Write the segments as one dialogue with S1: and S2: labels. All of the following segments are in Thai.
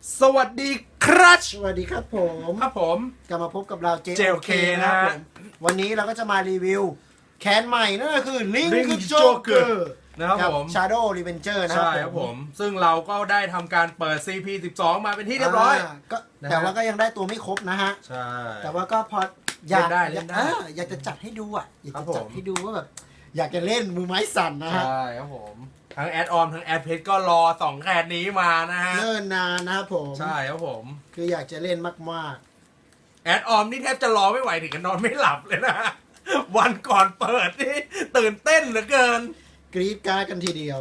S1: สวัสดีครับ
S2: สวัสดีครับผม
S1: ครับผม
S2: กลับมาพบกับเรา
S1: JLK
S2: นะครับ
S1: นะ
S2: ผมวันนี้เราก็จะมารีวิวแคนใหม่นั่นก็คือ Link
S1: Link
S2: Joker
S1: Joker นะครับผม
S2: Shadow Revenger นะค
S1: ใช่
S2: รับ
S1: ครับผม ซึ่งเราก็ได้ทำการเปิด CP12 มาเป็นที่เรียบร้อย
S2: ก็
S1: นะฮะ
S2: แต่ว่าก็ยังได้ตัวไม่ครบนะฮะ
S1: ใช่
S2: แต่ว่าก็พออยาก
S1: เล่นได้
S2: อยากจะจัดให้ดูอ่ะอยาก
S1: ครั
S2: จะ
S1: บผม
S2: จัดให้ดูว่าแบบอยากจะเล่นมือไม้สั่นนะฮะ
S1: ใช่ครับผม ทั้งแอดออนทั้งแอดเพจก็รอ2แคนนี้มานะฮะ
S2: เนิ่นนานนะครับผม
S1: ใช่ครับผม
S2: คืออยากจะเล่นมาก
S1: แอดออมนี่แทบจะรอไม่ไหวถึงกับนอนไม่หลับเลยนะ วันก่อนเปิดนี่ตื่นเต้นเหลือเกิน
S2: ๆกรี๊ดกราร์ดกันทีเดียว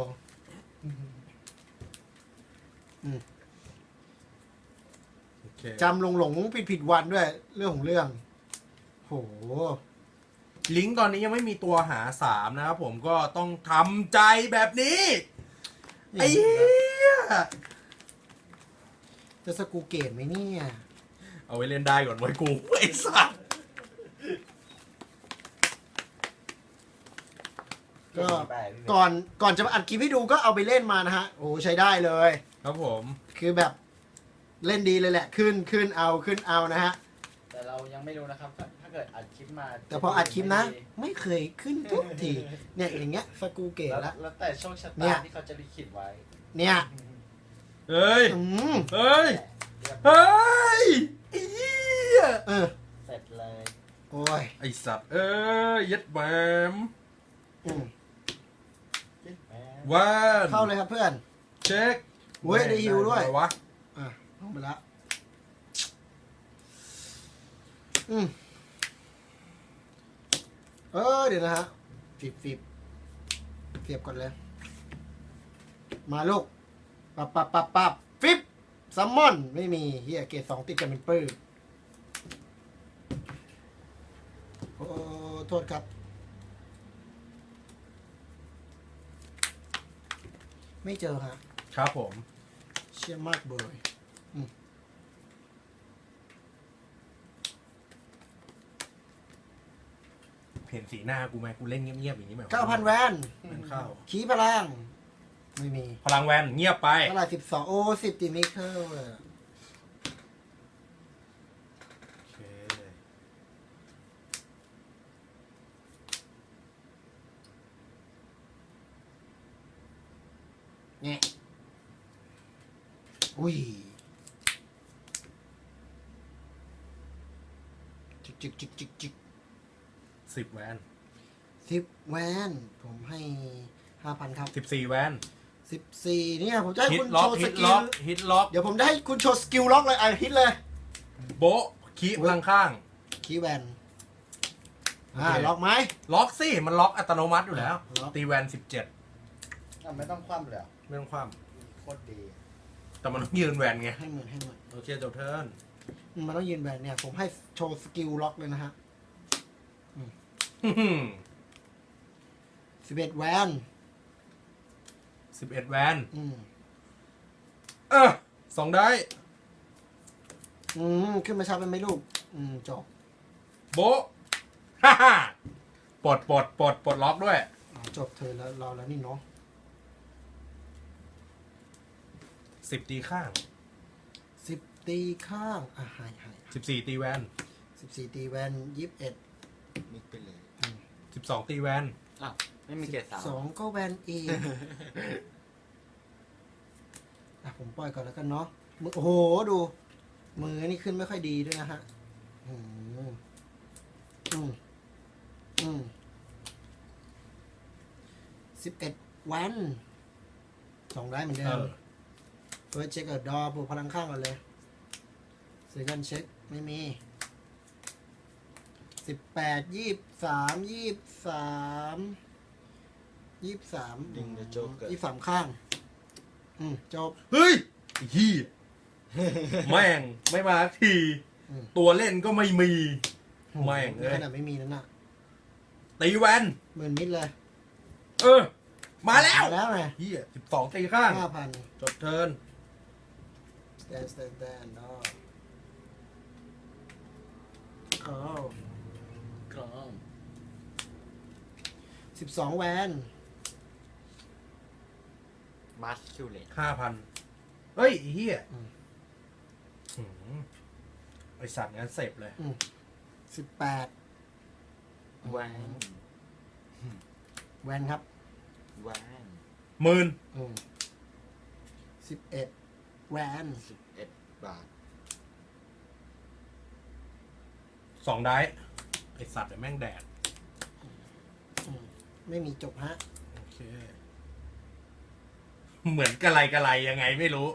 S2: จำหลงผิดวันด้วยเรื่องของเรื่องโห
S1: ลิงก์ตอนนี้ยังไม่มีตัวหา3นะครับผมก็ต้องทำใจแบบนี้ ไอ้เหี้ย
S2: จะสกูเกตไหมเนี่ย
S1: เอาไว้เล่นได้ก่อนไว้กูไอ้สัส
S2: ก็ก่อนจะมาอัดคลิปให้ดูก็เอาไปเล่นมานะฮะโอ้ใช้ได้เลย
S1: ครับผม
S2: คือแบบเล่นดีเลยแหละขึ้นเอานะฮะ
S3: แต่เรายังไม่รู้นะครับ ถ้าเกิดอัดคลิปมา
S2: แต่พออัดคลิปนะ ไม่เคยขึ้นทุกทีเนี่ยอย่างเงี้ยสกูเกต
S3: แล้ว
S2: ละ
S3: แล้วแต่โชคชะ
S2: เนี่
S3: ตาย ที่เขาจะลิขิตไว้
S2: เนี่ย
S1: เฮ้ย
S2: อืม
S1: เฮ้ย
S3: เรียบ
S1: เฮ้ยไอ้เหี้ย
S2: เออ
S3: เสร็จเลย
S2: โอ้ย
S1: ไอ้สัตว์เอ้ยยัดแหมม
S2: อืม
S3: แหม
S1: ว่าน
S2: เข้าเลยครับเพื่อน
S1: เช็ค
S2: เว้ยได้ฮิวด้วย
S1: ไงวะ
S2: อ่ะลงไปละอืมเดี๋ยวนะฮะฟิบเสียบก่อนเลย มาลูกปับฟิบซัมมอนไม่มีเฮียเกรด2ติดกันเป็นปื้อโอ้โทษครับ ไม่เจอฮะ
S1: ครับผม
S2: เชี่ยมากเบย
S1: เห็นสีหน้ากูไหมกูเล่นเงียบๆอย่างนี้ไหม
S2: 9,000 แวน
S1: มันเข้า
S2: ขี้พลัง ไม่มี
S1: พลังแวนเงียบไป
S2: เท่าไหร่12 โอ้10ติมิเคิลเลย
S1: โอเค
S2: เนี่ยอุ้ยจิก
S1: 10แวน
S2: 10 แวน ผมให้ 5,000 ครับ
S1: 14แวน
S2: 14เนี่ยผมจะให้
S1: ฮิ
S2: คุ
S1: ต
S2: ณ
S1: ล็อ
S2: โช
S1: ก
S2: ว์ส
S1: ฮิต
S2: กิ
S1: ล็
S2: ล
S1: อกฮิตล็อก
S2: เดี๋ยวผมจะให้คุณโชว์สกิลล็อกเลยอ่ะฮิตเลย
S1: โบะคีพลังข้าง
S2: คีย์แวน
S1: โอเค
S2: ล็อกไหม
S1: ล็อกสิมันล็อกอัตโนมัติอยู่แล้ว
S2: ล็อก
S1: ตีแวน17
S3: ไม่ต้องคว่ำเลยเหรอ
S1: ไม่ต้องคว่
S3: โคตรดี
S1: ำแต่มันต้องยืนแวนไง
S2: ให้หมื่น
S1: โอเคจบเทิร์น
S2: มันต้องยืนแวนเนี่ย ผมให้โชว์สกิลล็อกเลยนะฮะ 11 แวน
S1: 11แวน
S2: อืม
S1: สองได้
S2: ขึ้นมาชาเป็นไหมลูก จบ
S1: โบะฮ่าฮ่าปลดล็อกด้วย
S2: จบเธอแล้วเราแล้วนี่เนาะ
S1: 10ตีข้าง
S2: 10 ตีข้างหาย
S1: 14ตีแวน
S2: 14 ตีแวน 21
S3: มิกไปเลย
S1: 12ตีแวน
S3: อ้าวไม่มีเกรดสาม
S2: 2ก็แวนเองผมปล่อยก่อนแล้วกันเนาะโอ้โห ดู มือนี่ขึ้นไม่ค่อยดีด้วยนะฮะ11 แวน2ได้เหมือนเดิมเฟิร์สเช็คดอปลูกพลังข้างก่อนเลยเซคันด์เช็คไม่มี18 23
S3: ดิงเดอะโจ๊กเกอร์
S2: 23ข้างจบ
S1: เฮ้ยไอ้เฮียแม่งไม่มาสักที ตัวเล่นก็ไม่มี แม่งเลย
S2: ขนาดไม่มีนั่นน่ะ
S1: ตีแวน
S2: หมื่นมิดเลย
S1: มาแล้ว
S2: มาแล้วไง
S1: เฮีย12ตีข้าง
S2: 5,000
S1: จบเทิร์น
S2: stand เนาะเขา
S3: กรอง
S2: 12 แวน
S3: มาสคิวเลต
S1: 5,000เฮ้ยไอ้เฮียหืมไอสัตว์งั้นเสพเลย
S2: 18
S3: แหวน
S2: แวนครับ
S3: แหวน
S1: 10,000
S2: 11 แวน
S3: 11 บาท
S1: 2 ได้ไอสัตว์เดี๋ยวแม่งแดด
S2: ไม่มีจบฮะ
S1: โอเค เหมือนกะไรยังไงไม่รู้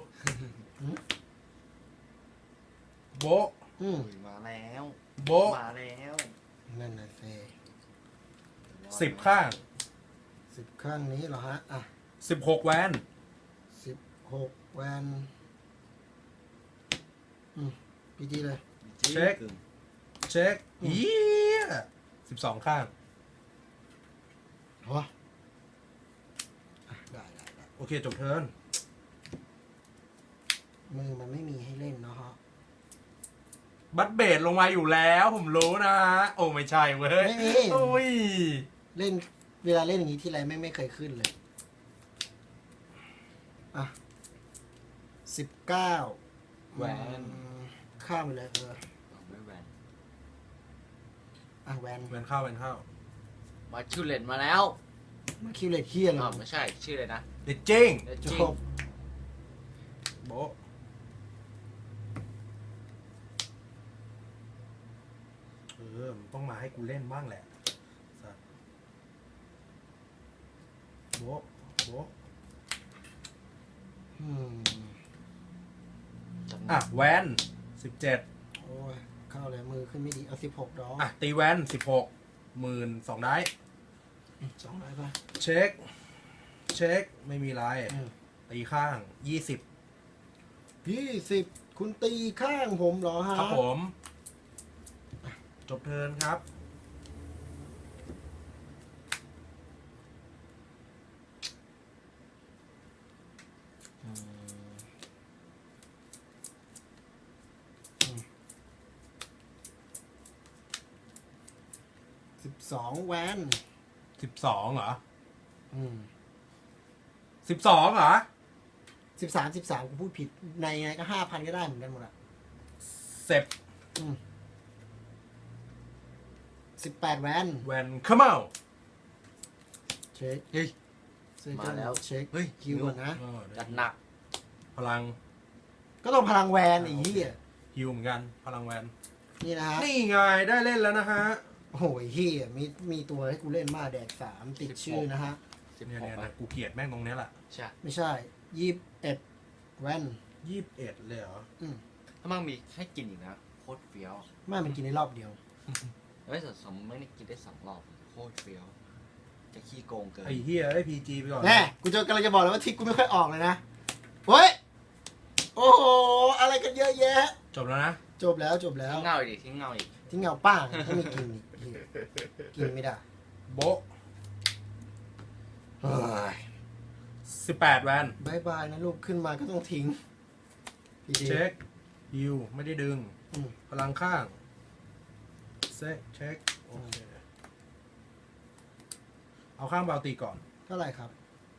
S1: โบะ
S2: อืม
S3: อุ้ยมาแล้ว
S1: โบะ
S3: มาแล้ว
S2: นั่นน่ะเซ
S1: 10 ข้าง
S2: 10 ข้างนี้เหรอฮะ อ่ะ
S1: 16 แวน
S2: 16 แวนพีจีเลย
S1: เช็ค เช็คเฮีย12 ข้าง
S2: เหรออ่ะได้
S1: โอเค จบเทิร์น
S2: มือมันไม่มีให้เล่นเนาะฮะ
S1: บัตเบดลงมาอยู่แล้ว ผมรู้นะฮะ โอ้ ไม่ใช่เว้ย
S2: ไม่มี
S1: โอ้ย
S2: เล่นเวลาเล่นอย่างนี้ที่ไรไม่เคยขึ้นเลย อ่ะ 19
S3: แหวน
S2: ข้ามไปเลย
S3: เอาไม่แหวน
S2: อ่ะแวน
S1: แวนเข้าแวนเข้า
S3: มาคิวเลนมาแล้ว
S2: มาคิวเลตเฮียเลย
S3: อ๋อไม่ใช่ชื่ออะไรนะ
S1: เด็ดจริง
S3: เดี๋ยว
S2: จ
S3: จริง
S2: บ
S1: โบะมันต้องมาให้กูเล่นบ้างแหละสัตว์โบะโบะ
S2: อืม
S1: อ่ะ แวน17
S2: โอ้ย เข้าเลยมือขึ้นไม่ดี เอา16ดอก
S1: อ่ะ ตีแวน16 12,000ได้
S2: 2ได้ป่ะ
S1: เช็ค เช็ค ไม่มีไร
S2: อืม
S1: ตีข้าง
S2: 20 คุณตีข้างผมเหรอฮะ
S1: ครับผม จบเทิร์นครับ
S2: 12 แวน
S1: 12เหรอ
S2: อืม
S1: 12เหรอ
S2: 13 กูพูดผิด ในไงก็ 5,000 ก็ได้เหมือนกันหมดอ่ะ
S1: เซ็บ
S2: 18 แวน
S1: แวนเข้ามา
S2: เช็ค
S3: เฮ้ย
S2: เช็ค
S3: มาแล้ว
S2: เช็ค
S3: เฮ้ย
S2: คิวก่อนนะ
S3: จัดหนัก
S1: พลัง
S2: ก็ต้องพลังแวนไอ้เหี้ย
S1: ฮิวเหมือนกัน พลังแวน
S2: นี่นะฮะ
S1: นี่ไง ได้เล่นแล้วนะฮะ
S2: โอ้โหไอ้เหี้ยมีตัวให้กูเล่นมาแดก3ติดชื่อนะฮะ
S1: เนี่ย
S3: 16
S1: กูเกลียดแม่งตรงเนี้ยแหละ
S3: ใช่
S2: ไม่ใช่ 21 แวน
S1: 21เลยเหรอ
S3: ถ้ามันมีให้กินอีกนะโคตรเฟี้ยว
S2: ไม่มันกินในรอบเดียว
S3: เฮ้ยแต่สมมติไม่ได้กินได้2 รอบโคตรเฟี้ยวจะขี้โกงเกิน
S1: ไอ้เฮียไอ้พีจีไปก่อน
S2: แน่กูจะกำลังจะบอกเลยว่าทิกกูไม่ค่อยออกเลยนะ เฮ้ย โอ้โห อะไรกันเยอะแยะ
S1: จบแล้วนะ
S2: จบแล้วจบแล้ว
S3: ทิ้งเงาอีกทิ้งเงาอีก
S2: ทิ้งเงาป้างไม่มีกินอีกเหี้ยกินไม่ได้
S1: โบะ
S2: เฮ้ย
S1: 18แวน
S2: บายบายนะลูกขึ้นมาก็ต้องทิ้งพี่ดี
S1: เช็คฮิวไม่ได้ดึง
S2: อืม
S1: พลังข้างเช็คโอเคเอาข้างเบาตีก่อน
S2: เท่าไหร่ครับ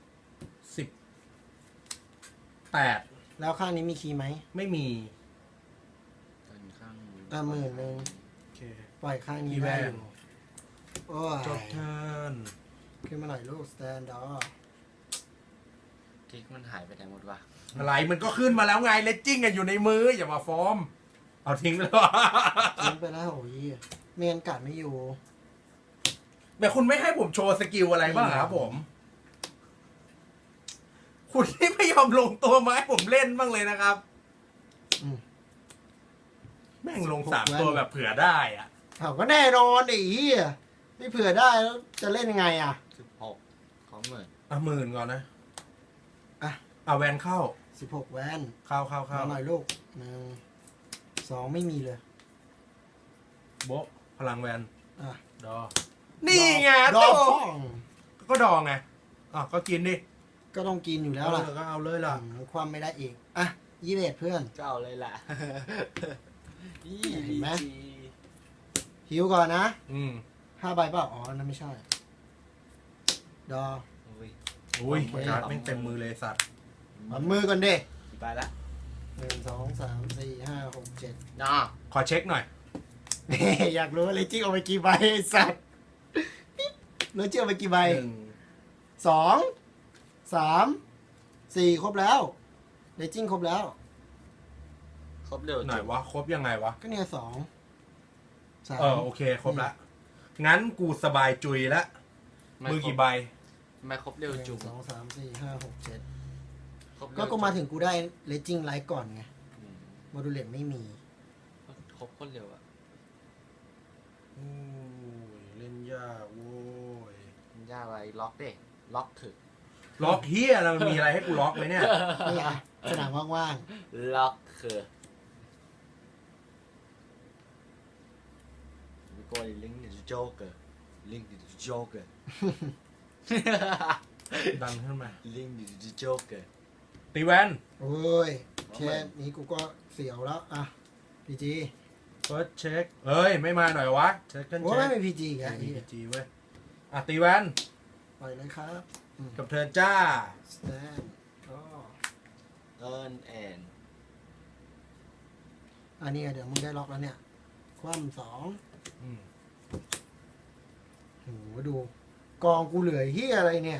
S1: 18
S2: แล้วข้างนี้มีคีย์ไหม
S1: ไม่มี
S3: ตอนข้าง
S2: 10,000
S1: โอเค
S2: ปล่อยข้างนี้
S1: มีแว
S2: ได้
S1: น
S2: อยู่โอ้ย
S1: จบเทิร์น
S2: ขึ้นมาหน่อยลูกสแตนดอร์
S3: กิ๊กมันหายไปไหนหมดวะ
S1: อะไรมันก็ขึ้นมาแล้วไงเลจจิ้งอะอยู่ในมือ อย่ามาฟอร์ม เอาทิ้งเลยวะ
S2: ทิ้งไปแล้วโอ้ยเมียนกัดไม่อยู่
S1: แต่คุณไม่ให้ผมโชว์สกิลอะไรบ้างครับผม คุณที่ไม่ยอมลงตัวมาให้ผมเล่นบ้างเลยนะครับ
S2: อืม
S1: แม่งลง3 ตัวแบบเผื่อได้อะ
S2: เขาก็แน่นอนไอ้เหี้ยไม่เผื่อได้แล้วจะเล่นยังไงอ่ะ
S3: 16ของหมื่น
S1: 10,000ก่อนนะ
S2: อ่ะ
S1: เอาแวนเข้า
S2: 16 แวน
S1: เข้า
S2: มาหน่อยลูก1 2ไม่มีเลย
S1: โบะพลังแวน
S2: อ่ะ
S1: ดอ นี่ไง
S2: ดอ
S1: โต
S2: ป้อง
S1: ก็ดองไงอ่ะก็กินดิ
S2: ก็ต้องกินอยู่แล้วล่ะ
S1: ก็เอาเลยล่ะ
S2: ความไม่ได้อีกอ่ะ21เพื่อน
S3: ก็เอาเลยแหละ
S2: เห็นไหม หิวก่อนนะ
S1: อืม
S2: 5 ใบเปล่าอ๋อนั่นไม่ใช่ ดอ
S3: อุ้ย
S1: อุ้ย
S2: โอเค
S1: การ์ดแม่งเต็มมือเลยสัตว์
S2: เอามือก่อนเด้
S3: กี่ใบละ
S2: 1 2 3 4 5 6 7
S3: นะ
S1: ขอเช็คหน่อย
S2: อยากรู้ว่าเลจิ้งเอาไปกี่ใบไอ้สัตว์เลจิ้งเอาไปกี่ใบ 2 3 4 ครบแล้วเลจิ้งครบแล้ว
S3: ครบเร็ว
S1: ไหนวะ ครบยังไงวะ
S2: ก็เนี่ย2 3
S1: โอเค ครบละ งั้นกูสบายจุยละ มือกี่ใบ
S3: ทำไมครบเร็วจุง
S2: 1 2 3 4 5 6 7
S3: ครบเร็ว
S2: ก็มาถึงกูได้เลจิ้งไลท์ก่อนไง
S3: อืม
S2: โมดูเลตไม่มี
S3: ครบคนเร็วอะ
S1: โอ้ย เล่นยากโว้ย
S3: มันยากอะไรล็อกเด้ล็อกถึก
S1: ล็อกเฮียแล้วมันมีอะไรให้กูล็อกไหมเนี่ย
S2: นี่อ่ะสนามว่าง
S3: ล็อกคือwe go link to the joker link to the joker
S1: ดันขึ้นมา
S3: link to the joker
S1: ตีแวน
S2: ๆ โอ้ยแค่นี้กูก็เสียวแล้ว อ่ะพีจี
S1: เฟิร์สเช็คเอ้ย ไม่มาหน่อยวะ เช็คกัน
S2: โอ้
S1: เช็
S2: ไม่
S1: ค
S2: เป็นพีจีไง
S1: มีพีจีเว้ย อ่ะ ตีแวน
S2: ปล่อยเลยครับ
S1: กับเธอจ้า
S2: สแตนก็
S3: earn and
S2: อันนี้เดี๋ยวมึงได้ล็อกแล้วเนี่ย คว่ำ2
S1: อืม
S2: โหดู กองกูเหลือเฮียอะไรเนี่ย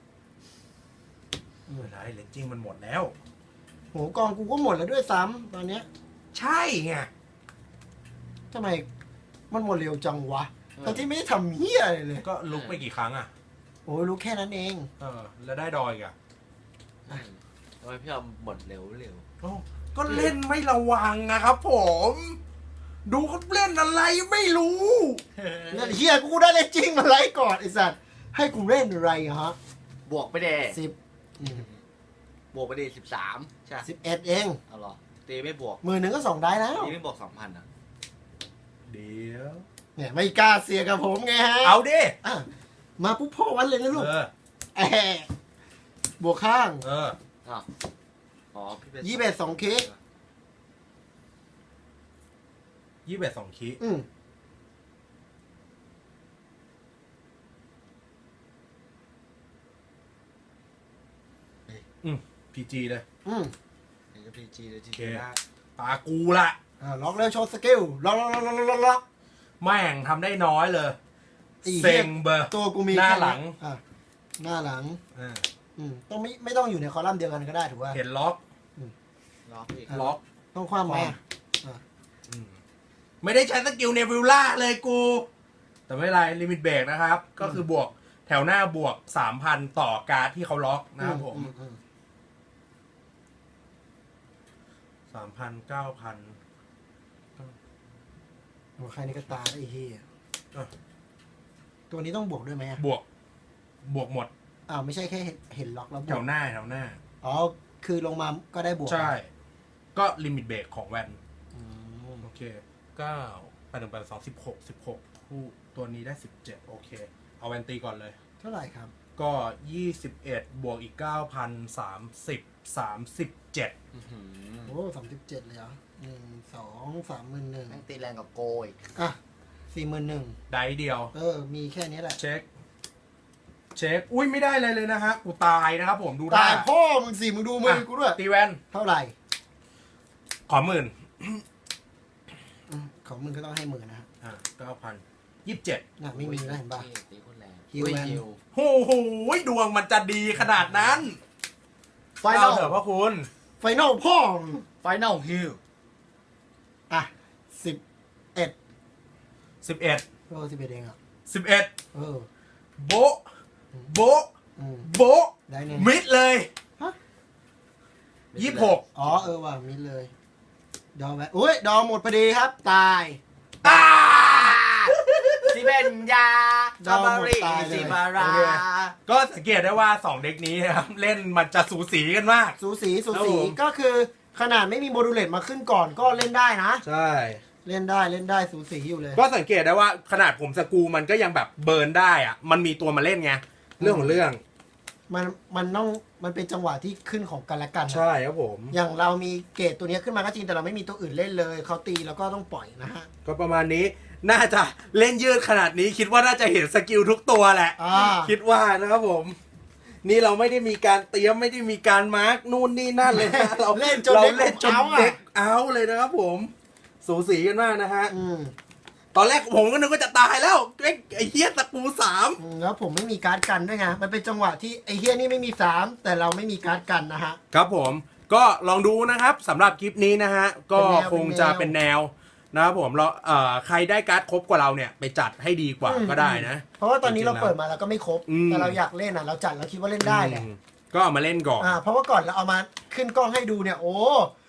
S1: ไม่เป็นไรเลนจิ้งมันหมดแล้ว
S2: โหกองกูก็หมดแล้วด้วยซ้ำตอนเนี้ย
S1: ใช่ไง
S2: ทำไมมันหมดเร็วจังวะทั้งที่ไม่ได้ทำเฮียอะไรเลย
S1: ก็ลุกไปกี่ครั้งอ่ะ
S2: โอ้ยรู้แค่นั้นเอง
S1: แล้วได้ดอยอีกอ่ะ
S3: ทำไมพี่เอาหมดเร็วเร็ว
S1: โอ้ก็เล่นไม่ระวังนะครับผม ดูเขาเล่นอะไรไม่รู้
S2: เนี่ยเฮียกูได้เลยจริงมาไล่ก่อนไอ้สัตว์ให้กูเล่นอะไรฮะ
S3: บวกไปเด้
S2: 10
S3: บวกไปเด้13ใช่
S2: 11เอง
S3: เอาเหรอตีไม่บวก
S2: มือหนึ่งก็2ได้แล้ว
S3: ตีไม่บวก 2,000อ่ะ
S1: เดี๋ยว
S2: เนี่ยไม่กล้าเสียกับผมไงฮะ
S1: เอาดิ
S2: อ่ะมาปุ๊บพ่อวันเลยนะลูก
S1: เออ
S2: แอะบวกข้าง
S1: เออ
S3: อ้าวอ๋อพี่เป็น
S2: 21 2 เคส
S1: 21 2 คี พีจีเลย
S3: เดี๋ยวจะพีจีเลยที
S1: โอเค
S3: เดียวได้
S1: ตากูละ
S2: ล็อกแล้วโชว์สกิลล็อกล็อกล็อกล็อกล็อก
S1: แม่งทำได้น้อยเลย
S2: อี
S1: เซ็งเบอร์
S2: ตัวกูมี
S1: หน้า
S2: แค่
S1: หลัง
S2: อ่ะหน้าหลัง
S1: อ่า
S2: ต้องไม่ต้องอยู่ในคอลัมน์เดียวกันก็ได้ถูกป่ะ
S1: เห็นล็อก
S3: ล็อกอีก
S1: ล็อก
S2: ต้องคว่ำไหมอ่ะ
S1: อืมไม่ได้ใช้สกิลเนวิลล่าเลยกู แต่ไม่เป็นไรลิมิตเบรกนะครับ ก็คือบวกแถวหน้าบวก 3,000 ต่อการ์ดที่เขาล็อกนะครับผม 3,000 9,000
S2: โอ้ใครนี่ก็ตาไอ้เหี้ย
S1: อ่ะ
S2: ตัวนี้ต้องบวกด้วยไหมอ่ะ
S1: บวกหมด
S2: อ้าวไม่ใช่แค่เห็นล็อกแล้วบ
S1: แถ
S2: วก
S1: วหน้า
S2: อ๋อคือลงมาก็ได้บวก
S1: ใช่ ก็ลิมิตเบรกของแวน
S2: อืม
S1: โอเค9 8 1 8 2 16คู่ตัวนี้ได้ 17 โอเค เอาแวนตีก่อนเลย
S2: เท่าไหร่ครับ
S1: ก็ 21 บวกอีก 9,000 37
S3: อื้อหือ
S2: โอ้37เลยเหรอ1 2 3 1
S3: แม่งตีแรงกับโกอีก
S2: อ่ะ41,000
S1: ได้เดียว
S2: มีแค่นี้แหละ
S1: เช็ค อุ้ยไม่ได้อะไรเลยนะฮะ กูตายนะครับผมดู
S2: ตาย
S1: ท่
S2: พ่อมึงสิมึงดูมือกูด้วย
S1: ตีแวน
S2: เท่าไหร่
S1: ขอหมื่น
S2: ของมึงก็ต้องให้หมื่นนะฮะ
S1: 9,027
S2: น่ะไม่มีแล้วเห็นป่ะ
S3: ตีคนแรง
S2: ฮิวแมน
S3: ฮิว
S1: โอ้โหดวงมันจะดีขนาดนั้น
S2: ไฟนอล
S1: เถอะพ่อคุณ
S2: ไฟนอลพ่อมึง
S3: ไฟนอลฮิว
S2: อ่ะ11
S1: 11
S2: 11เองอ่ะ
S1: 11
S2: เออ
S1: โบ๊ะโบ๊ะ
S2: อืม
S1: โบ๊ะ
S2: ได้เนี่ย
S1: มิดเลย
S2: ฮะ
S1: 26
S2: อ๋อว่ะมิดเลย ดอไว้อุ้ยดอหมดพอดีครับ ตาย
S1: ตา
S3: ซิเบนยา
S2: ดาวหมด
S3: ริ
S2: ตายเลย
S3: ซิมารา
S1: โอเค ก็สังเกตได้ว่า 2 เด็กนี้นะครับ เล่นมันจะสูสีกันมาก
S2: สูสี
S1: ครับผม
S2: ก็คือขนาดไม่มีโมดูเลตมาขึ้นก่อนก็เล่นได้นะ
S1: ใช่
S2: เล่นได้สูสีอยู่เลย
S1: ก็สังเกตได้ว่าขนาดผมสกรูมันก็ยังแบบเบิร์นได้อะมันมีตัวมาเล่นไง เรื่องของเรื่อง
S2: มันเป็นจังหวะที่ขึ้นของกันและกันนะ
S1: ใช่ครับผม
S2: อย่างเรามีเกรดตัวเนี้ยขึ้นมาก็จริงแต่เราไม่มีตัวอื่นเล่นเลยเขาตีแล้วก็ต้องปล่อยนะฮะ
S1: ก็ประมาณนี้ น่าจะเล่นยืดขนาดนี้คิดว่าน่าจะเห็นสกิลทุกตัวแหละ
S2: อ่า
S1: คิดว่านะครับผมนี่เราไม่ได้มีการเตรียมไม่ได้มีการมาร์กนู่นนี่นั่นเลยนะเรา
S2: เล่นจน
S1: เรา
S2: เด็ก
S1: เล่นจน
S2: เอาอะ
S1: เด็กเอาเลยนะครับผม สูสีกันมากนะฮะ
S2: อืม
S1: ตอนแรกผมก็นึกว่าจะตายแล้วไอ้เฮียตะปูสาม
S2: แล้วผมไม่มีการ์ดกันด้วยไงมันเป็นจังหวะที่ไอ้เฮียนี่ไม่มี3แต่เราไม่มีการ์ดกันนะฮะ
S1: ครับผมก็ลองดูนะครับสำหรับคลิปนี้นะฮะก็คงจะเป็นแนวนะครับผมเราใครได้การ์ดครบกว่าเราเนี่ยไปจัดให้ดีกว่าก็ได้นะ
S2: เพราะว่าตอนนี้เราเปิดมาเราก็ไม่ครบ
S1: อืม
S2: แต่เราอยากเล่นอ่ะเราจัดเราคิดว่าเล่นได้แหละ
S1: ก็เอามาเล่นก่อน
S2: เพราะว่าก่อนเราเอามาขึ้นกล้องให้ดูเนี่ยโอ้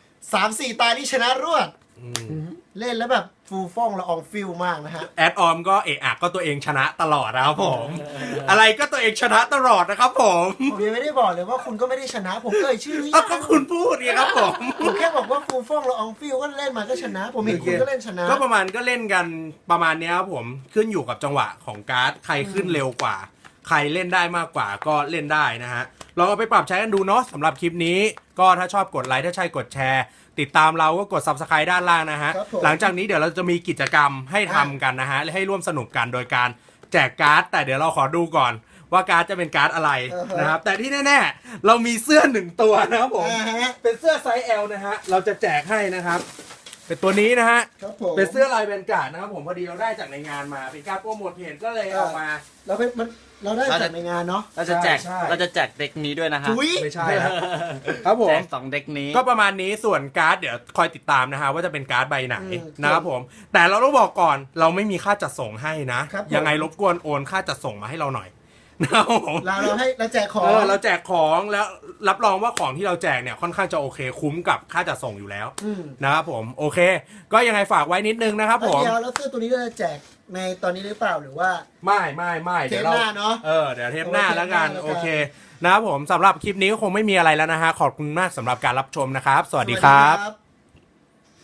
S2: 3-4 ตาที่ชนะรวด เล่นแล้วแบบฟูฟ่องละอองฟิลมากนะฮะ
S1: แอดออมก็เอะอะก็ตัวเองชนะตลอดนะครับผม อะไรก็ตัวเองชนะตลอดนะครับผม
S2: ผมยังไม่ได้บอกเลยว่าคุณก็ไม่ได้ชนะผมเอ่ยชื่อหรือ
S1: ก็
S2: ยัง
S1: คุณพูดไงครับผม
S2: ผมแค่บอกว่าฟูฟ่องละอองฟิลก็เล่นมาก็ชนะ ผมเห็นคุณก็เล่นชนะ
S1: ก็ประมาณก็เล่นกันประมาณเนี้ยครับผมขึ้นอยู่กับจังหวะของการ์ดใครขึ้นเร็วกว่า ใครเล่นได้มากกว่าก็เล่นได้นะฮะลองเอาไปปรับใช้กันดูเนาะสำหรับคลิปนี้ก็ถ้าชอบกดไลค์ถ้าใช่กดแชร์ ติดตามเราก็กด Subscribe ด้านล่างนะฮะ
S2: ครับผม
S1: หลังจากนี้เดี๋ยวเราจะมีกิจกรรมให้ทำกันนะฮะและให้ร่วมสนุกกันโดยการแจกการ์ดแต่เดี๋ยวเราขอดูก่อนว่าการ์ดจะเป็นการ์ดอะไรนะครับแต่ที่แน่ๆเรามีเสื้อ1ตัวนะครับผม เป็นเสื้อไซส์ L นะฮะเราจะแจกให้นะครับ เป็นตัวนี้นะฮะ
S2: ครับผม
S1: เป็นเสื้อลายแวนการ์ดนะครับผมพอดีเราได้จากในงานมาเป็นการโปรโมทเพจก็เลยเอามา
S2: เราได้จากในงานเนาะ
S3: เราจะแจก
S1: ใช่
S3: เราจะแจกเด็กนี้ด้วยนะฮะ
S2: จุ๊ย
S1: ไม่ใช่ครับ ครับผม
S3: แจก2เด็กนี้
S1: ก็ประมาณนี้ส่วนการ์ดเดี๋ยวคอยติดตามนะฮะว่าจะเป็นการ์ดใบไหน
S2: อืม
S1: นะครับผม แต่เราต้องบอกก่อนเราไม่มีค่าจัดส่งให้นะ
S2: ครับผม
S1: ยังไงรบกวนโอนค่าจัดส่งมาให้เราหน่อยนะครับผม
S2: เราแจกของ
S1: เราแจกของแล้วรับรองว่าของที่เราแจกเนี่ยค่อนข้างจะโอเคคุ้มกับค่าจัดส่งอยู่แล้ว
S2: อืม
S1: นะครับผมโอเค ก็ยังไงฝากไว้นิดนึงนะครับผม
S2: เดี๋ยวแล้วเสื้อตัวนี้เราจะแจกในตอนนี้หรือเปล่าหรือว่า
S1: ไม่
S2: เท
S1: เดี๋ย
S2: ป
S1: วเรา
S2: หน้าเนาะ
S1: เดี๋ยวเทปหน้า
S2: โอเค
S1: แล้วกัน
S2: เทปหน้าแล้วกัน
S1: โอเคนะครับผมสำหรับคลิปนี้ก็คงไม่มีอะไรแล้วนะฮะขอบคุณมากสำหรับการรับชมนะครับ สวัสดีครับ